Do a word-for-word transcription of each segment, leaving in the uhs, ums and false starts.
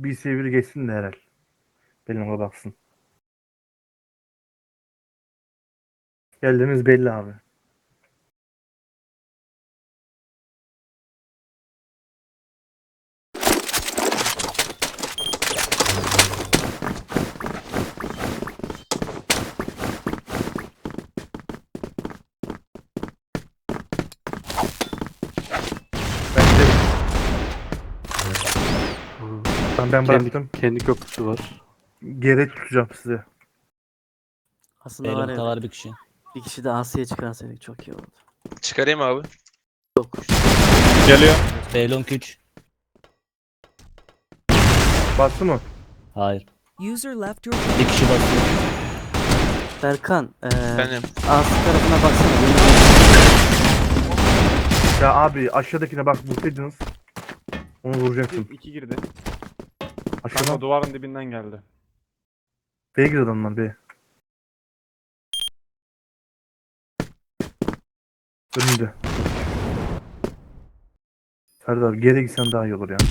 Şu B C biri geçsin de herhal. Benimle baksın. Geldiğimiz belli abi. Bence ben, ben bıraktım. Kendi, kendi köprüsü var. Geri tutacağım sizi. Aslında var Elimde ya, var bir kişi. bir kişi de Asya'ya çıkarsaydık çok iyi olurdu. Çıkarayım abi. Yok. Geliyor. Beylong üç. Bastı mı? Hayır. User left your Bir kişi basıyor. Berkan, eee Benim. Asya tarafına baksana. Ya abi aşağıdakine bak vursaydınız. Onu vuracaksın. İki girdi. Aşağıdan Kanka duvarın dibinden geldi. B'ye gir adamlar B'ye. Önünde. Serdar geri gitsen daha iyi olur ya.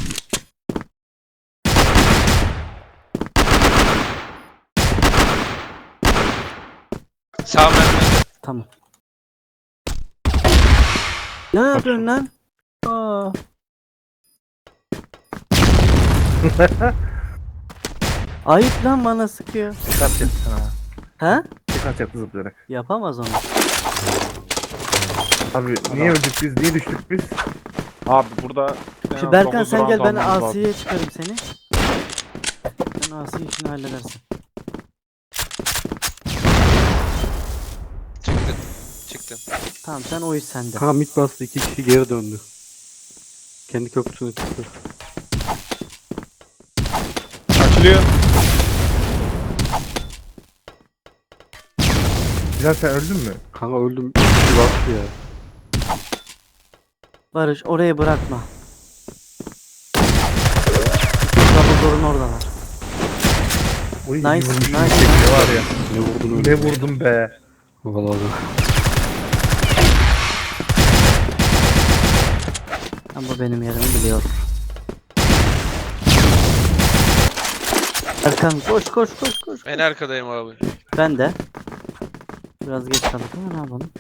Sağ mermi. Tamam. Ne yapıyorsun lan? Aa. Ayıp lan, bana sıkıyor. Dikkat et sana. Ha? Dikkat et zıplayarak. Yapamaz onu. Abi niye öldük biz? Niye düştük biz? Abi burada... en Şu az Berkan dokuz sen round gel, ben almamız lazım. Asya'ya çıkarım seni. Sen Asya işini halledersin. Çıktım. Çıktım. Tamam, sen o iş sende. Kanka mid bastı, iki kişi geri döndü. Kendi köprüsüne çıktı. Açılıyor. Bilal sen öldün mü? Kanka öldüm. İki kişi bastı ya. Barış, orayı bırakma. Dumbledore'un oradalar. Oy, Nice, iyi vurmuşum nice, bir şekilde var ya. Ne vurdun öyle? Ne vurdum be. Vallahi. Ama benim yerimi biliyor. Erkan koş koş koş koş. En arkadayım abi. Ben de. Biraz geç kaldık ama ne yapalım?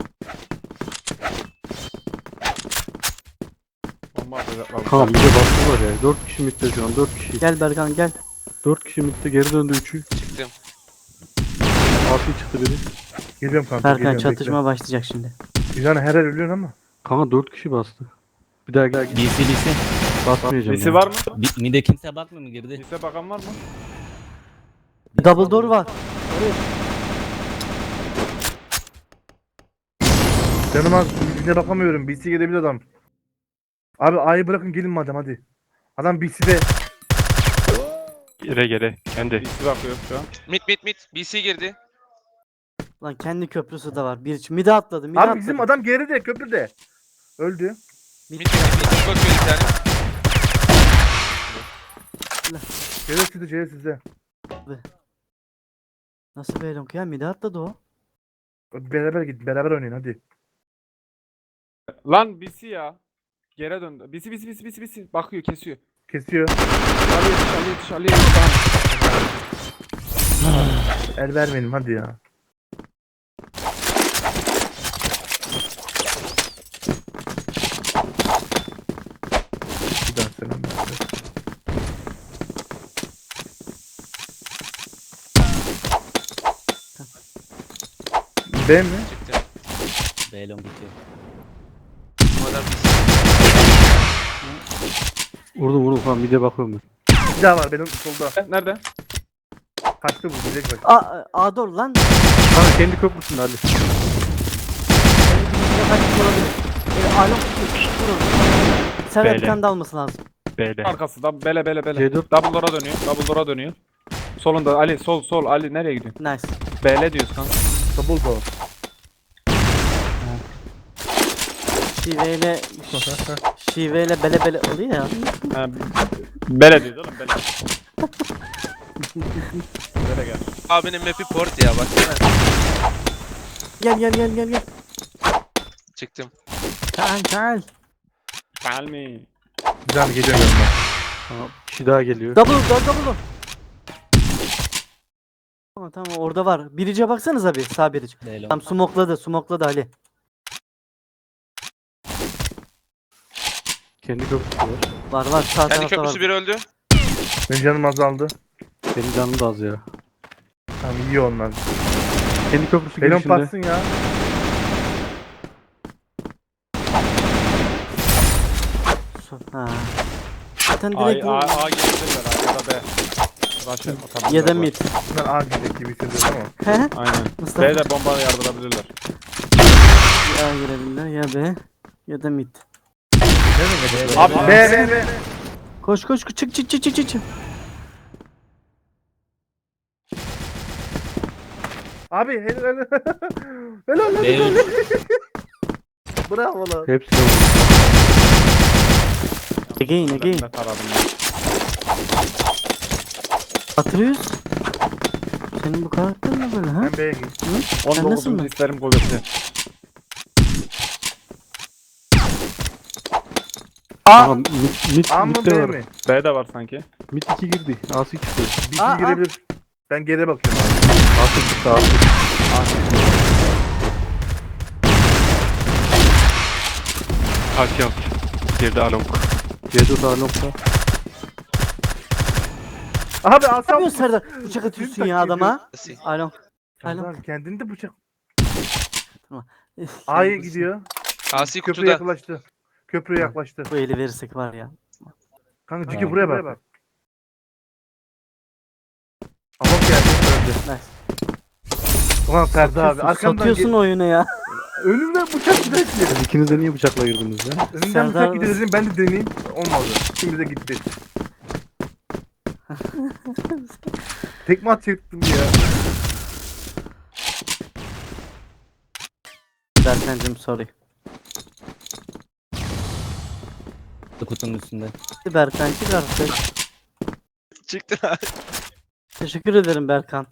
Bomba atacaklar. Kanka mid'e bastılar ya. Dört kişi mid'de şu an. Dört kişi. Gel Berkan gel. Dört kişi mid'de geri döndü üçü. Çıktım. Altı çıktı biri. Geliyorum kanka. Berkan geliyorum, çatışma başlayacak şimdi. bekle. Yani her yer ölüyorsun ama. Kanka dört kişi bastı. Bir daha gel. B C B C. Basmayacağım. Lise ya. var mı? Bir- Mide kimse bakmıyor mu girdi? Lise bakan var mı? Double door var. Canım az yüzüne bakamıyorum. B C gelebilir adam. Abi A'yı bırakın gelin madem hadi. Adam B C'de. Gere gere. Kendi. Lise bakıyor şu an. Mid mid mid. B C girdi. Lan kendi köprüsü de var. Bir mide atladı. Mide Abi atladı. bizim adam geride köprüde. Öldü. Mid mid mid. Bakıyor bir tane. Geri sizde geri sizde. Nasıl Beylong ya? Mide atladı o. Beraber git beraber oynayın hadi. Lan bisi ya. Geri döndü. Bisi bisi bisi bisi bisi. Bakıyor kesiyor. Kesiyor. Ali yetiş Ali yetiş Ali yetiş. Tamam. El vermeyelim hadi ya. Bir daha selam ver. B mi? Çıktım. Beylong bitiyor. Bu adam B C. Vurdum vurdum falan mid'e bakıyorum ben. Bir daha var benim solda. Nerede? Kaçtı bu diyecek bak. A, A door lan. Kanka kendi köprüsünde Ali. Kendi köprüsüne kaçmış olabilir. E, Alon vurun. Servet bir Böyle. tane de alması lazım. B'de. Arkası da bele bele bele. C dört. Double door'a dönüyor. Double door'a dönüyor. Solunda Ali sol sol Ali nereye gidiyor? Nice. B'le diyoruz kanka. Double door. Şiveyle şiveyle bele bele oluyor ya. Ha, bele diyoruz oğlum bele. Bele gel. Abinin map'i port ya baksana. Gel gel gel gel gel. Çıktım. Gel gel. Gel mi? Güzel geliyorum yanına. Tamam. Bir kişi daha geliyor. Double double double. Tamam tamam orada var. Birice baksanıza bir sağ birice. B long. Tam smokladı smokladı Ali. Kendi köprüsü var. Var var sağ Kendi tarafta köprüsü var. biri öldü. Benim canım azaldı. Benim canım da az ya. Tamam iyi onlar. Kendi köprüsü Belon girişinde. patsın ya. So- Ha. Zaten A, direkt A, A gelebilirler A ya da B. Rush atabilirler. ya da bu. mid. Bunlar A gidecek gibi hissediyorum ama. He? Aynen. Mustafa. B'de bomba yardırabilirler. Ya girebilirler ya B ya da mid. Nereye gidiyor? Abi B B B. Koş koş koş, çık çık çık çık çık. çık. Abi helal. Helal lan. B üç. Bravo lan. Hepsi de var. Again again. Ne taradım ben. Atıyoruz. Senin bu karakter ne böyle ha? Ben B'ye gideyim. Sen nasıl on dokuzuncu mı? isterim kuvveti. Tamam. Mid, mid, A mı mid de B var. mi? B de var sanki. Mid iki girdi. A'sı çıktı. Bir Aa, şey aa. girebilir. Ben geriye bakıyorum. A'sı çıktı. A'sı. Kaç yap? Geride Along. C dört A nokta. Abi Ne asam. yapıyorsun Serdar? Bıçak atıyorsun ya adama. Asi. Alo. Serdar kendini de bıçak. Eh, A'ya sen- gidiyor. Asi Köprüye kutuda. yaklaştı. Köprüye yaklaştı. Bu eli verirsek var ya. Kanka Ha. Ciki buraya bak. Ama geldi öldü. Nice. Ulan Ferdi abi Satıyorsun, arkamdan satıyorsun ge- oyunu ya. önümden bıçak gidiyor. Siz ikiniz de niye bıçakla girdiniz ya? Önümden Serdar- bıçak gidiyor dedim ben de deneyeyim. Olmadı. Şimdi de gitti. Tekme atacaktım ya. Berkancım sorry. Kutunun üstünde. Berkan çık artık. Çıktı abi. Teşekkür ederim Berkan.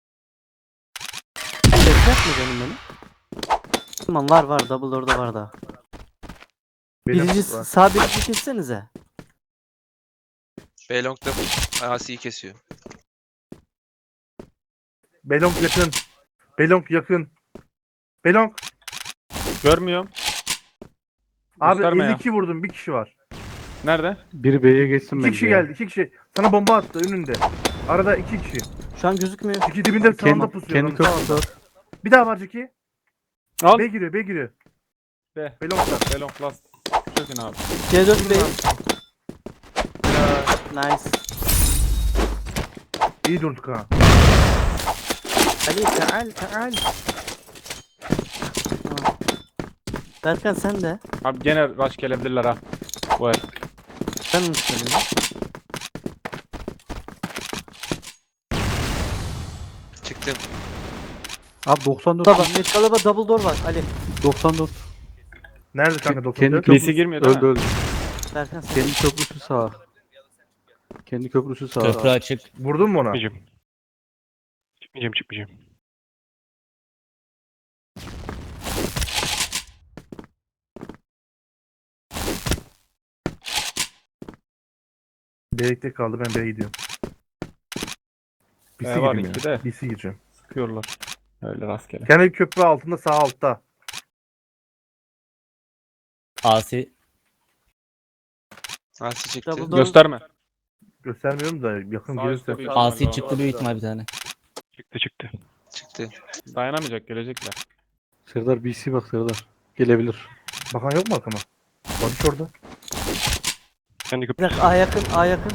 Ses yapma canım benim. Tamam var var double orada var da. Benim Birinci var. sağ birinci kessenize. B long'da Asi'yi kesiyor. Belong yakın. Belong yakın. Belong. Görmüyorum. Abi Gösterme ya. elli iki vurdum. Bir kişi var. Nerede? Biri B'ye geçsin İki bence. kişi ya. geldi. iki kişi. Sana bomba attı önünde. Arada iki kişi. Şu an gözükmüyor. Ciki dibinde sağında Kendi, pusuyor. kendi onun köprüsü sağında. var. Bir daha var Ciki. Al. B giriyor. B giriyor. B. Belong'da. B long last. Çökün abi. C dört Bey. Nice. İyi durduk ha. Ali taal taal. Tamam. Berkan sen de. Abi gene rush gelebilirler ha. Bu el. Ben mi söyleyeyim? Çıktım. Abi doksan dört. Baba, Metalaba double door var Ali. doksan dört. Nerede kanka doktor? Kendi B C köprüsü girmiyor değil öldü mi? öldü. Berkan sen. Kendi köprüsü sağ. Kendi köprüsü sağ. Köprü açık. Vurdun mu ona? Çıkmayacağım. Çıkmayacağım çıkmayacağım. B'de kaldı. Ben B'ye gidiyorum. B C B var gireyim ikide. ya. B C gireceğim. Sıkıyorlar. Öyle rastgele. Kendi köprü altında sağ altta. Asi. Asi çıktı. Double door. Gösterme. Göstermiyorum da yakın Sağ gelirse. üstte bir- Asi çıktı büyük ihtimal bir tane. Çıktı çıktı. Çıktı. Dayanamayacak gelecekler. Serdar B C bak Serdar. Gelebilir. Bakan yok mu arkama? Barış orada. Kendi Bir köprüsü. dakika A yakın A yakın.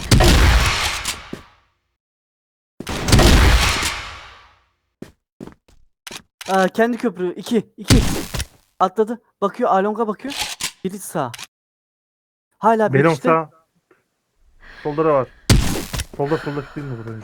Aa, kendi köprü iki iki. Atladı. Bakıyor Along'a bakıyor. Biri sağ. Hala bir Belong işte. sağ. Solda da var. Solda solda değil mi burada?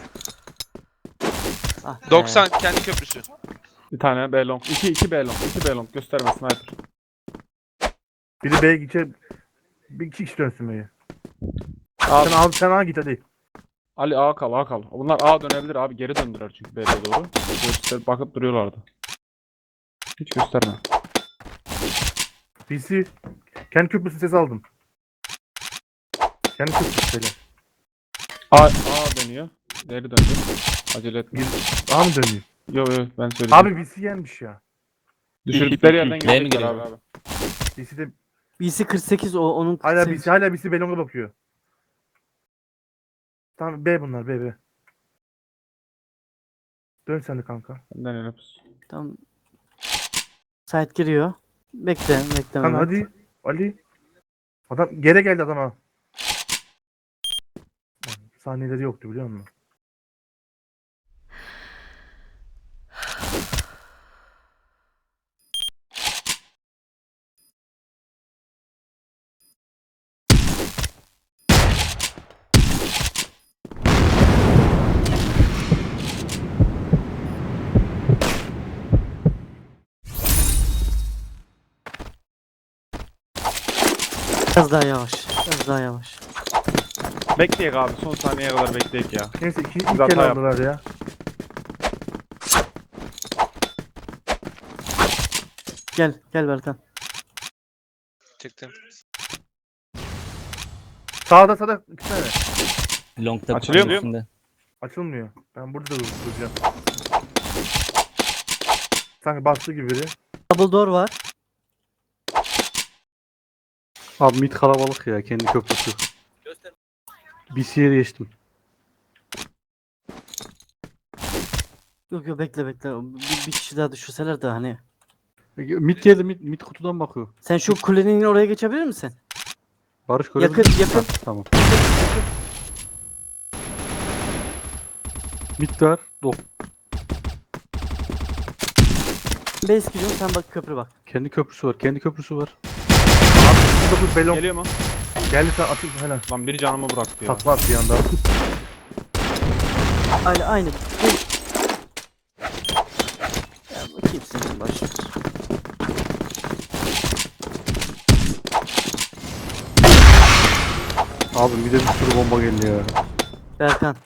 Ah be. doksan kendi köprüsü. Bir tane B long. İki, iki B long. İki B long. Gösterme sniper. Biri B'ye gidecek. Bir iki kişi dönsün B'ye. Abi, Sen al sen al git hadi. Ali A kal A kal. Bunlar A dönebilir abi. Geri döndüler çünkü B'ye doğru. Göster, bakıp duruyorlardı. Hiç gösterme. B C. Kendi köprüsü ses aldım. Kendi köprüsü böyle. A, A dönüyor. Geri döndü. Acele etme. Daha mı döneyim? Yo yo ben söyledim. Abi B C gelmiş ya. Düşürdükleri yerden B mi gelecekler giriyor? abi abi. B C'de B C kırk sekiz o onun hala kırk B sekiz. C hala B C Belong'a bakıyor. Tamam B bunlar B B. Dön sen de kanka. Benden öyle pus. Tamam. Site giriyor. Bekle, bekle. Kanka Mehmet. hadi Ali. Adam geri geldi adama. Saniyeleri yoktu biliyor musun? Biraz daha yavaş. Biraz daha yavaş. Bekleyek abi. Son saniyeye kadar bekleyek ya. Neyse iki, ilk Hata kere yap. aldılar ya. Gel, gel Berkan. Çıktım. Sağda sağda iki tane. Long'da Açılıyor kutunun mu? üstünde. Açılmıyor. Ben burada da duracağım. Sanki bastı gibi biri. Double door var. Abi mid kalabalık ya kendi köprüsü. B C'ye geçtim. Yok yok bekle bekle. Bir, bir kişi daha düşürseler de hani. Mid geldi mid, mid kutudan bakıyor. Sen şu kulenin oraya geçebilir misin? Barış görebilir Yakın, misin? yakın. Ha, tamam. Mid var. Dok. Base giriyorum sen bak köprü bak. Kendi köprüsü var. Kendi köprüsü var. dokuz Belong. Geliyor mu? Geldi sen atıl helal. Lan biri canımı bıraktı ya. Takla attı yanda. Aynı aynı. Dur. Ya bakayım senin başına. Abi mid'e bir sürü bomba geldi ya. Berkan.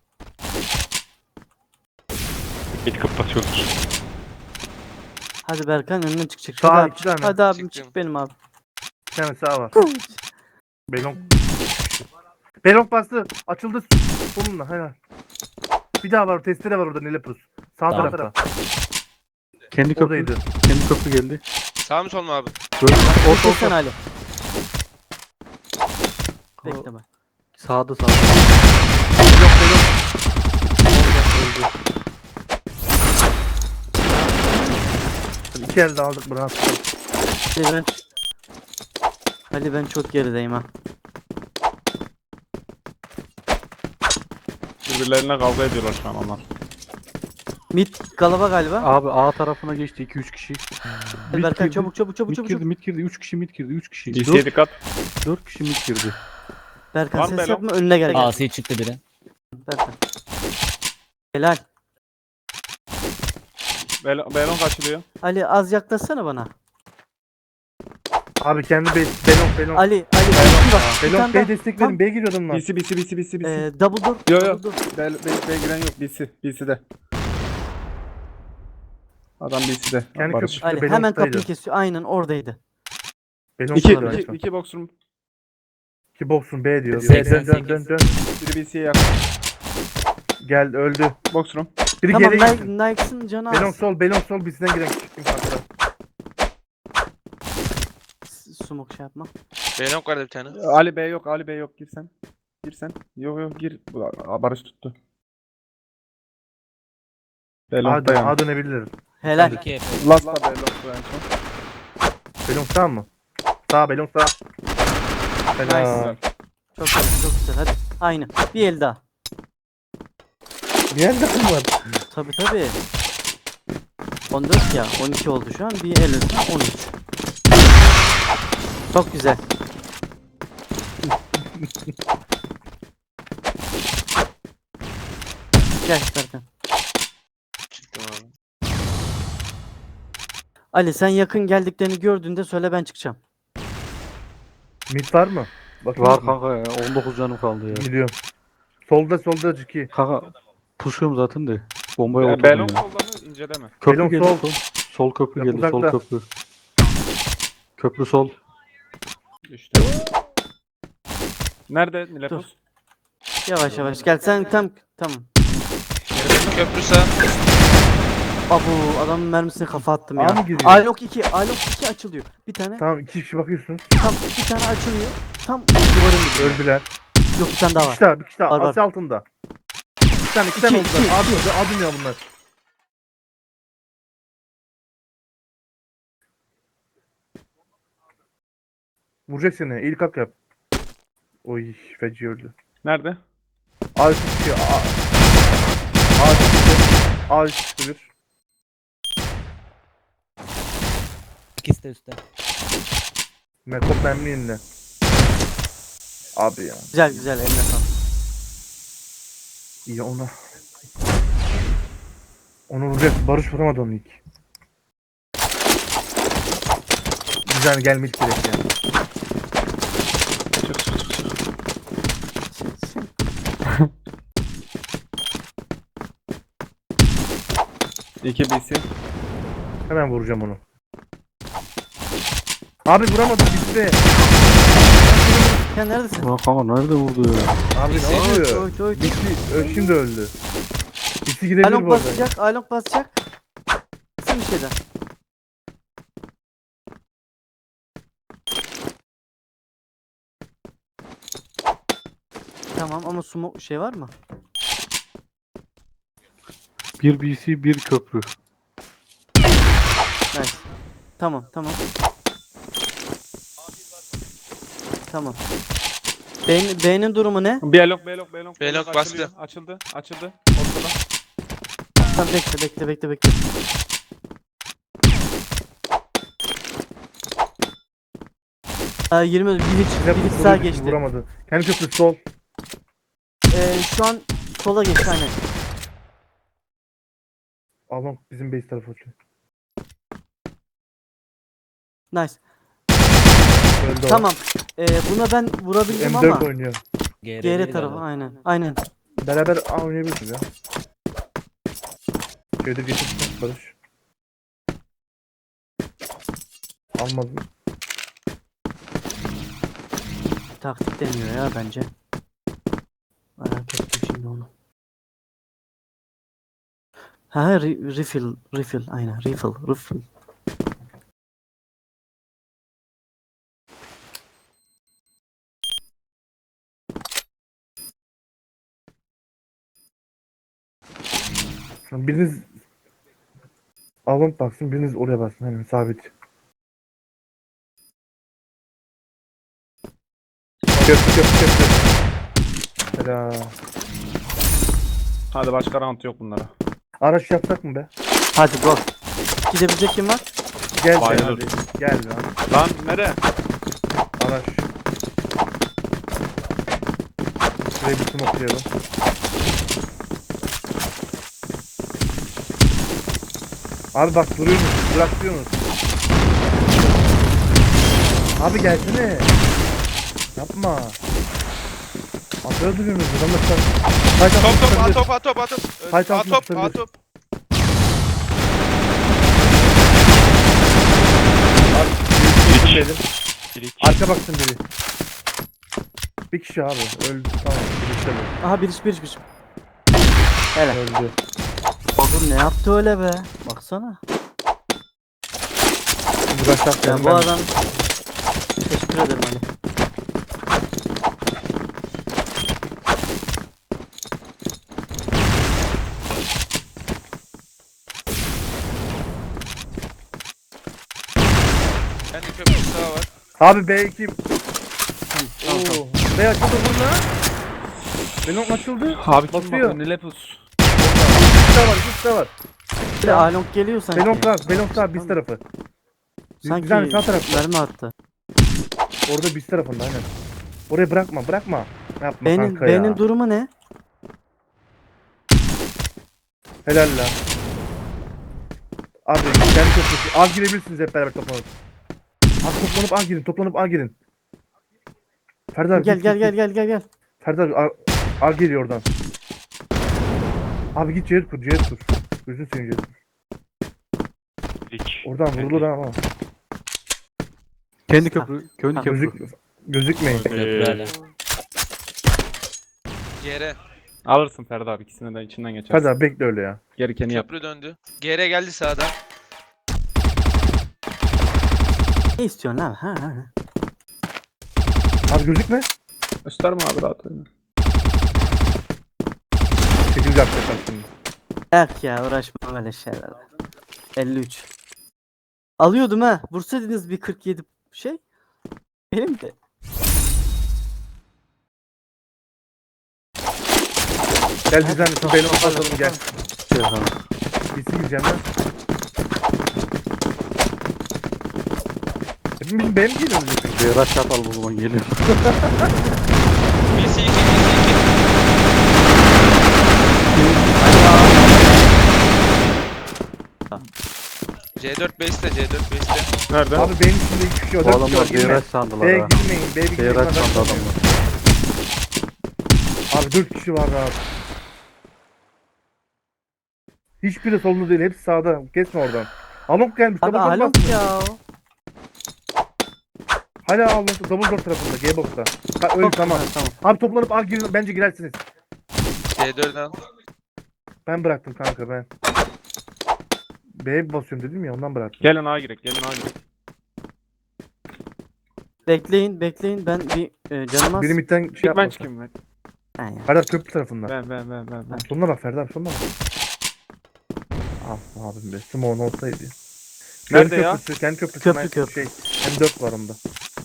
Git kapatıyordur. Hadi Berkan önüne çıkacak. Sağ Hadi, iki abi, tane. hadi abim Çıktım. çık benim abi. Bir tane sağ var. Belong. Belong bastı. Açıldı. Sonunda helal. Bir daha var. Testere var orada Nilepus. Sağ Tamam. tarafta. Kendi köprü. Oradaydı. Kendi köprü geldi. Sağ mı sol mu abi? Böyle orta Bekle sen orta. Ali. Bekle bak. Sağda sağda. Belong Belong. Orada öldü. İki elde aldık bırak. Ali ben, Ali ben çok gerideyim ha. Birbirlerine kavga ediyorlar şu an onlar. Mid galaba galiba. Abi A tarafına geçti iki üç kişi. Hadi Mid Berkan girdi. çabuk çabuk çabuk Mid çabuk. girdi, çabuk. mid girdi. üç kişi mid girdi. üç kişi. D C'ye dört, dikkat. dört kişi mid girdi. Berkan Var mı ses Belo? yapma önüne gel. gel. Asi çıktı biri. Berkan. Helal. Bel Belon kaçılıyor. Ali az yaklaşsana bana. Abi kendi be Belong Belong. Ali Ali. Bir bak. Bir Belong tane B'ye daha. destek Tam- verin. B'ye giriyor adamlar. B C B C B C B C B C. Ee, double door. Yo, yo. double door. Bel Bel Bel giren yok B C B C'de. Adam B C'de. Kendi Barış. köprüsü Ali Belong'daydı. hemen kapıyı kesiyor. Aynen oradaydı. Belong İki, sonra iki, açma. iki boxroom. İki box'un B diyor. B seksen dön dön dön dön. Biri B C'ye yakın. Geldi öldü. Boxroom. Biri Tamam geri gitti. Nike, Nike'sın canı Belong az. sol, Belong sol bizden giren çıktım kanka. S- Smoke şey yapma. Belong vardı bir tane. Ali B yok, Ali B yok. Gir sen. Gir sen. Yok yok gir. Aa, Barış tuttu. A, Belong'da dön, yani. A dönebilir. Helal. İki F. Last da Belong'da en son. Belong sağ mı? Sağ, Belong sağ. Helal. Güzel. Çok güzel çok güzel hadi. Aynı. Bir el daha. Bir yerde mi var? Tabi tabi. on dört ya. on iki oldu şu an. Bir el üstüne on üç. Çok güzel. Gel Berkan. Çıktım abi. Ali sen yakın geldiklerini gördüğünde söyle ben çıkacağım. Mid var mı? Bakın Var kanka ya. on dokuz canım kaldı ya. Gidiyorum. Solda solda Ciki. Kanka pusuyorum zaten de. Bombaya Be- oturdum Belong ya. solda mı? İnceleme. Köprü Belong geldi. sol. Sol. Sol köprü Yok, geldi. Sol uzakta. köprü. Köprü sol. Düştü. Nerede Nilepos? Yavaş yavaş gel sen tam tamam. Geri köprü sağ. Abu adamın mermisine kafa attım A ya. mı giriyor? Alok iki, Alok iki açılıyor. Bir tane Tamam iki kişi bakıyorsunuz. tam bir tane açılıyor. Tam duvarın gibi. Öldüler. Yok bir tane daha Bir var. kişi daha, bir kişi daha. Var, var. Asya altında. Bir tane, iki tane İki, oldular. iki. Abi, adım ya bunlar. Vuracak seni. İlk hak yap. Oy, feci öldü. Nerede? A üstü çıkıyor. A. A üstü çıkıyor. A üstü çıkıyor. İkisi de üstte. Mekop memnun elinde. Abi ya. Güzel güzel eline sağlık. İyi ona. Onu vuracak. Barış vuramadı onu ilk. Güzel gelmiş direkt ya. Çık çık çık çık. İki B C. Hemen vuracağım onu. Abi vuramadım bizi de. Sen neredesin? Ulan kanka nerede vurdu ya? Abi ne Oy, oluyor? oy, oy. Bitti. Ö- Şimdi öldü. Bitti gidebilir Alok bu arada. basacak, Alok basacak. Sen bir şeyden. Tamam ama sumo şey var mı? Bir B C bir köprü. Nice. Tamam tamam. Tamam. B'nin B'nin durumu ne? Belok belok belok. Belok açılıyor. bastı. Açıldı. Açıldı. Ortada. Tamam bekle bekle bekle bekle. Aa, yirmi bir hiç Bize bir hiç vurdu, sağ bizi geçti. Vuramadı. Kendi köprüsü sol. Ee, şu an sola geçti aynen. Alon bizim base tarafı açıyor. Nice. Öldü o. Tamam. Ee, buna ben vurabildim M dört ama oynuyor. G R G R değil tarafı galiba. aynen. Aynen. Beraber A oynayabiliriz ya. Şöyle getirsin Barış. Almadım. Taktik deniyor ya bence. Merak ettim şimdi onu. Ha re- refill refill aynen refill refill. Biriniz Alon baksın, biriniz oraya baksın. Hemen sabit. Köprü köprü köprü. Helal. Hadi başka round yok bunlara. Araç yapsak mı be? Hadi go. Gidebilecek kim var? Gel be Bayılır. hadi. Gel lan. Lan nere? Araç. Şuraya bir smoke okuyalım. Abi bak duruyorsunuz, bırakıyorsunuz. Abi gelsene. Yapma. Atıyor duruyorsunuz. Adamla sen. Haydi Top top atabilir. a top a top a top. Haydi A atma, top a atabilir. top. Abi, dedim. Bir iki. Arka baksın biri. Bir kişi abi. Öldü. Tamam. Bir kişi öldü. Aha bir iş bir iş bir iş. Hele. Öldü. Oğlum ne yaptı öyle be? Baksana. Şimdi başlat Ya yani. bu adam teşekkür ederim Ali. Kendi köprü sağ var. Abi B iki. Tamam, tamam. Oo. B açıldı burada. Benim açıldı. Abi kim Basıyor. bakıyor? Nilepus. Bir de var. Bir de var. Bir de Alonk geliyor sanki. Belon var. Belon var. Biz tarafı. Sanki Güzel sağ tarafta. mermi attı. Orada biz tarafında aynen. Oraya bırakma. Bırakma. Yapma B'nin kanka ya. B'nin durumu ne? Helal lan. Abi kendi köprüsü. A girebilirsiniz hep beraber toplanıp. Abi toplanıp A girin. Toplanıp A girin. Ferdi abi Gel git, gel git, gel git. gel gel gel. Ferdi abi A, A geliyor oradan. Abi git Cihat kur. Cihat kur. Gözünü seveyim Cihat kur. Bir iki. Oradan vurulur ha ama. Kendi köprü. Kendi Ha, köprü. Gözük, gözükmeyin. Köprü hala. G R. Alırsın Ferdi abi, ikisine de içinden geçersin. Hadi abi bekle öyle ya. Gerekeni yap. Köprü döndü. G R geldi sağdan. Ne istiyorsun lan? Ha, ha, ha. Abi gözükme. Gösterme abi, rahat oyna. Şekil yapacaklar şimdi. Yak ya uğraşma böyle şeylerle. elli üç. Alıyordum ha. Vursaydınız bir kırk yedi şey. Benim de. Gel bizden şu Belon basalım gel. Şey sana. Gitsin gireceğim ben. Hepimiz benim geliyoruz. Bir rush atalım o zaman geliyor. B C iki, B C iki. C dört base'te, C dört base'te. Nerede? Abi benim içinde iki kişi o Bu dört kişi var. adamlar bir Girme. rush sandılar B'ye ha. girmeyin. B'ye Bir girmeyin. rush sandı adamlar. Abi dört kişi var abi. Hiçbiri solunda değil. Hepsi sağda. Kesme oradan. Alonk gelmiş. Abi Double door alon bastı. ya. Hala Alonk double door tarafında. G-box'ta. Ha, öyle tamam. Ha, tamam. Abi toplanıp al girin. Bence girersiniz. C dört al. Ben bıraktım kanka ben. B'ye basıyorum dedim ya ondan bıraktım. Gelin A girek, gelin A girek. Bekleyin bekleyin ben bir e, canım az. Biri midden şey İlk ben yapmasın. çıkayım ben. Ha ya. Hadi abi köprü tarafında. Ben ben ben ben. ben. Sonuna bak Ferdi abi sonuna bak. Ah abim be. Simon olsaydı. Nerede Kendi ya? Köprüsü, kendi köprüsü. Köprü, ben- köprü. Şey, M dört var onda.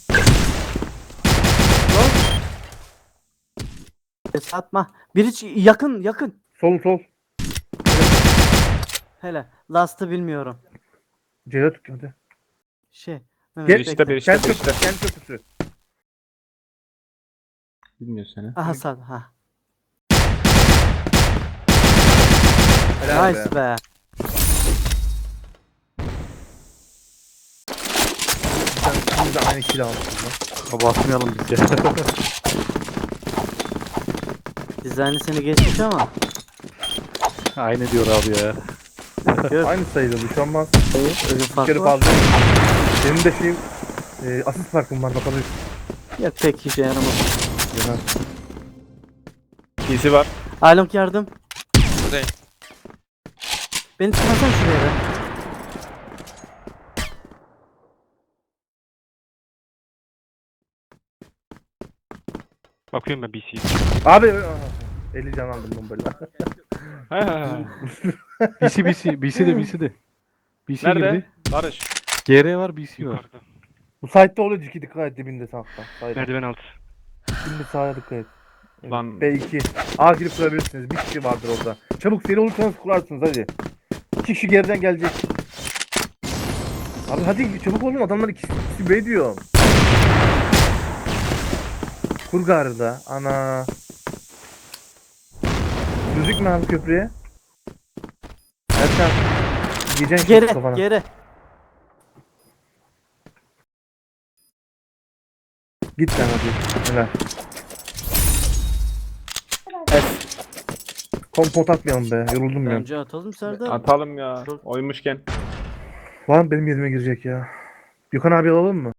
Ses atma. Biri ç- yakın yakın. Sol sol. Hele. Last'ı bilmiyorum. C dört hadi. Şey. Gel- Mehmet, Bir işte bekle. bir işte Kendi bir köprüsü. işte. Kendi köprüsü. Bilmiyor seni. Aha sağ. Ha. Helal Nice be. be. Sen şimdi de aynı kill almışsın lan. Basmayalım biz ya. Dizaynı seni geçmiş ama. Aynı diyor abi ya. Yok. Aynı sayıda bu şu an mas. Hayır. Öyle Bir fark kere var. fazla. Senin de şey e, asist farkın var bakalım. Yok pek işe yaramaz. Genel. P C var. Alonk yardım. Buradayım. Beni çıkarsan şuraya be. Bakıyorum ben B C'ye. Abi aha, elli can aldım bombayla. B C B C. B C de B C de. B C Nerede? girdi. Barış. G R var B C var. Yukarıda. Bu site'de oluyor Ciki dikkat et dibinde sağda. Sağda. Merdiven altı. Şimdi sağa dikkat et. Evet, Lan- B iki. A girip kurabilirsiniz. Bir kişi vardır orada. Çabuk seri olursanız kurarsınız hadi. İki kişi geriden gelecek. Abi hadi çabuk olun adamlar ikisi, ikisi B diyor. Kur garda. Ana. Gözükme abi köprüye. Erkan. Yiyeceksin Geri kafana. geri. Git sen hadi. Helal. Kompot atmayalım be. Yoruldum ben. Bence atalım Serdar. Atalım ya. Çok- Oymuşken. Var mı benim yerime girecek ya? Gökhan abi alalım mı?